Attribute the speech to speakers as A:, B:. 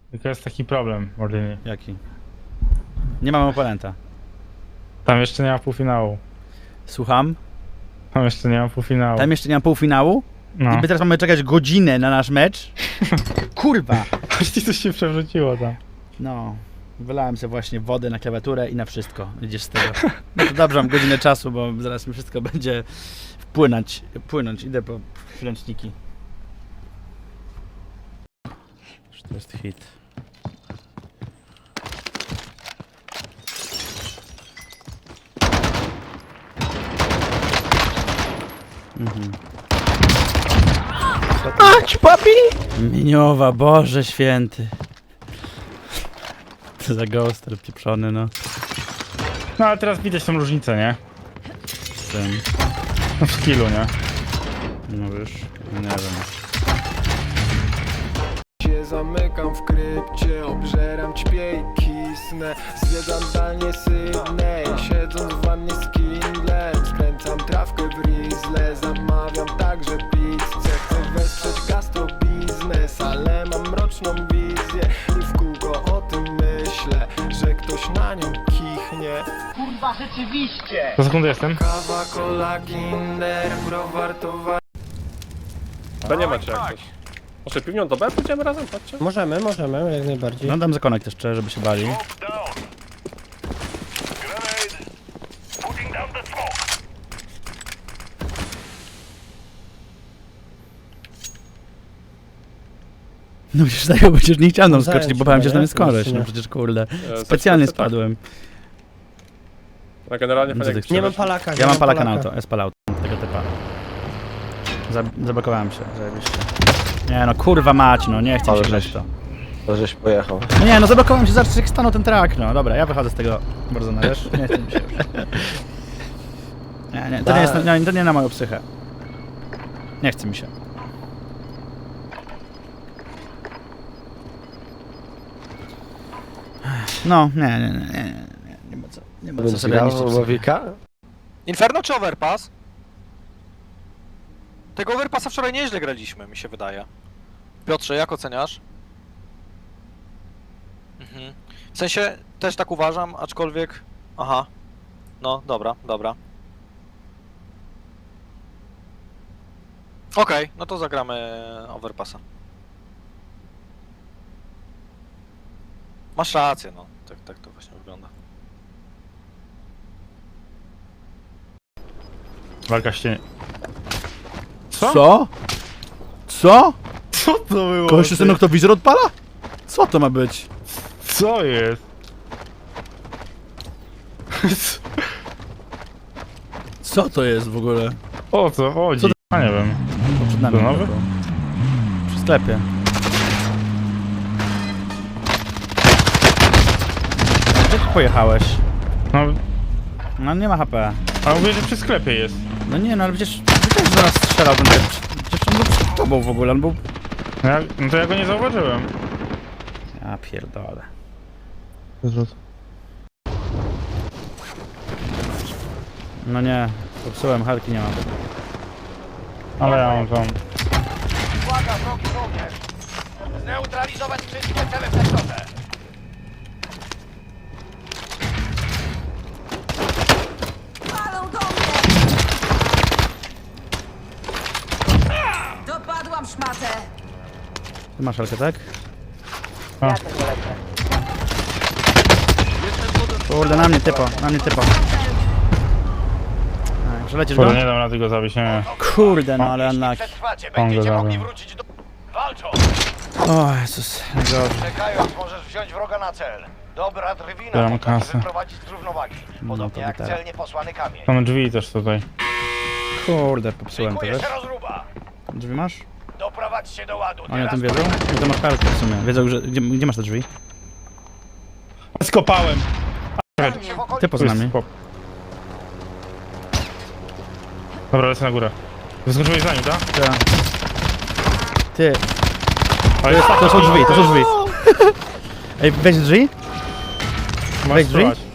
A: Tylko jest taki problem, Mordynie.
B: Jaki? Nie mamy oponenta.
A: Tam jeszcze nie ma półfinału.
B: Słucham?
A: Tam jeszcze nie ma półfinału.
B: Tam jeszcze nie ma półfinału?
A: No.
B: I my teraz mamy czekać godzinę na nasz mecz? Kurwa!
A: Aż ci coś się przewróciło tam.
B: No, wylałem sobie właśnie wodę na klawiaturę i na wszystko. Idziesz z tego. No to dobrze, mam godzinę czasu, bo zaraz mi wszystko będzie płynąć. Idę po ręczniki. To jest hit.
C: Ać, papi!
B: Miniowa, Boże święty. To za ghoster pieprzony, no.
A: No ale teraz widać tą różnicę, nie?
B: Z tym.
A: No w skillu, nie?
B: No wiesz, nie wiem.
D: Się zamykam w krypcie, obżeram, ćpię i kisnę. Zwiedzam zdalnie Sydney, siedząc w wannie z Kindlem. Skręcam trawkę w Rizzle, zamawiam także pizzę. Chcę wesprzeć gastrobiznes, ale mam mroczną wizję. I w kółko o tym myślę, że ktoś na nią kichnie.
C: Kurwa, rzeczywiście!
A: Za sekundę jestem.
D: Kawa, cola, kinder, browar, towar.
E: To nie macie jak coś. Może piwnią do B pójdziemy razem? Patrzcie.
C: Możemy, jak najbardziej.
B: No dam zakonek też, żeby się bali. No przecież dają, przecież nie chciałem tam skoczyć, bo bałem się, że tam jest koleś. No przecież kurde. Specjalnie spadłem.
E: A generalnie
B: No co
E: fajnie
B: ty
E: jak
C: Nie mam
E: strzelasz.
C: palaka.
B: Ja mam palaka na auto, S-palauto, tego typa. Zablokowałem się, zajebiście. Nie no, kurwa mać, no nie chcę
F: Ale
B: się grać
F: żeś-
B: w to.
F: To żeś pojechał.
B: No nie, no zablokowałem się, zaraz jak stanął ten track, no dobra, ja wychodzę z tego Warzona, wiesz? Nie chcę mi się już. Nie, to nie jest, to nie na moją psychę. Nie chce mi się. No, nie ma co,
F: Więc
B: sobie
F: grał
B: niszczyć psychy.
F: Łowika?
G: Inferno czy Overpass? Tego Overpassa wczoraj nieźle graliśmy, mi się wydaje. Piotrze, jak oceniasz? Mhm. W sensie, też tak uważam, aczkolwiek... Aha. No, dobra. Okej, no to zagramy Overpassa. Masz rację, no. Tak to właśnie wygląda.
A: Walka ścienie. Co?
B: Co? Co?
A: Co to było?
B: Kogoś ten noktowizor odpala? Co to ma być?
A: Co jest?
B: Co to jest w ogóle?
A: O co chodzi?
B: Co to-
A: A nie wiem.
B: Przed nami
A: To nowy?
B: tylko. Przy sklepie. Gdzie ty pojechałeś?
A: No,
B: No nie ma HP.
A: a mówię, że przy sklepie jest.
B: No nie, no ale przecież też zaraz strzelał ten typ. Przecież on był przed tobą w ogóle, on był...
A: No to ja go nie zauważyłem.
B: Ja pierdolę. No nie, popsułem, helki nie mam.
A: Ale ja mam tą.
C: Uwaga, wrogi żołnierz! Zneutralizować wszystkie cele w sektorze!
H: Palą do mnie! Dopadłam szmatę!
B: Ty masz helkę, tak?
A: A.
B: Kurde, na mnie typo. Przelecisz go?
A: Kurde, nie dam rady go zabić, nie.
B: Kurde, no ale unlucky.
C: Przetrwacie,
A: On go
C: będziecie mogli
A: zabił.
C: wrócić do... Walczą!
B: O Jezus, najgorzej.
C: Czekając, możesz wziąć wroga na cel. Dobra drwina
A: Ja mam
C: potrafi
A: kasę.
C: wyprowadzić z równowagi. Podobnie
B: to
C: jak
B: gitara.
C: celnie posłany kamień.
A: Są drzwi też tutaj.
B: Kurde, popsułem to,
C: Szykuje
B: wiesz?
C: się rozruba.
B: Drzwi masz?
C: Doprowadźcie do ładu.
B: Oni o
C: Teraz
B: tym wiedzą?
C: pora-
B: No to masz helkę w sumie. Wiedzą, że... Gdzie masz te drzwi?
A: Skopałem!
C: Się w okolicy.
B: Typo z nami.
A: Skop. Dobra, lecę na górę. Wyskoczyłeś za nim, tak?
B: Ty,
A: Ale jest
B: to są drzwi. Ej, weź drzwi?
A: Masz
B: weź drzwi.
A: spróbować.